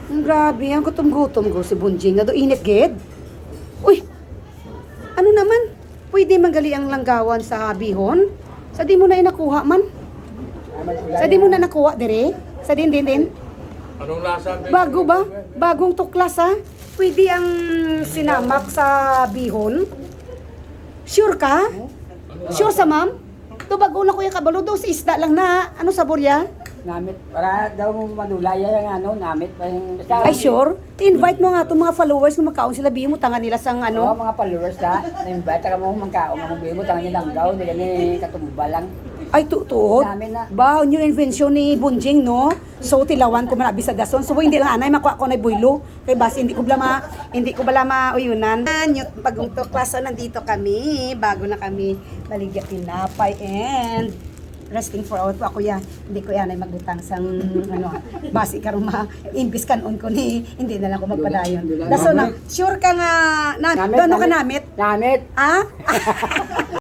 Grabe, ang gutom-gutom ko si Bunjing na do init ged. Uy, ano naman? Pwede manggali ang langgawan sa bihon? Sa di mo na inakuha man? Sa di mo na nakuha dire? Sa din. Anong lasa? Bago ba? Bagong tuklas ha? Pwede ang sinamak sa bihon? Sure ka? Sure sa ma'am? Ito bago na kuya kabalo do sa isda lang na. Ano sabor ya? Namit, para daw madulaya yung namit pa yung... Ay sure? I-invite mo nga itong mga followers kung makaon sila bihin mo tangan nila sang Ano? ano. Mga followers na, na-invite, taka mo mangkaon, mga bibo, tangan niya langgaw, hindi kami katumba lang. Ay tuod. Namin na. Ba, new invention ni Bunjing no? So tilawan ko man bisa dason. So hindi lang anay makuha ko na buylo. Kay bas hindi ko bala uyunan. Yung bagong tuklaso nandito kami. Bago na kami baligya tinapay and resting for out ako yan. Hindi ko yan ay magbutang sang ano. Basi karon imbis kanon ko ni hindi na lang ko magpadayon. Daso na sure ka nga na Namit, doon ka namit. namit? Namit! Ah?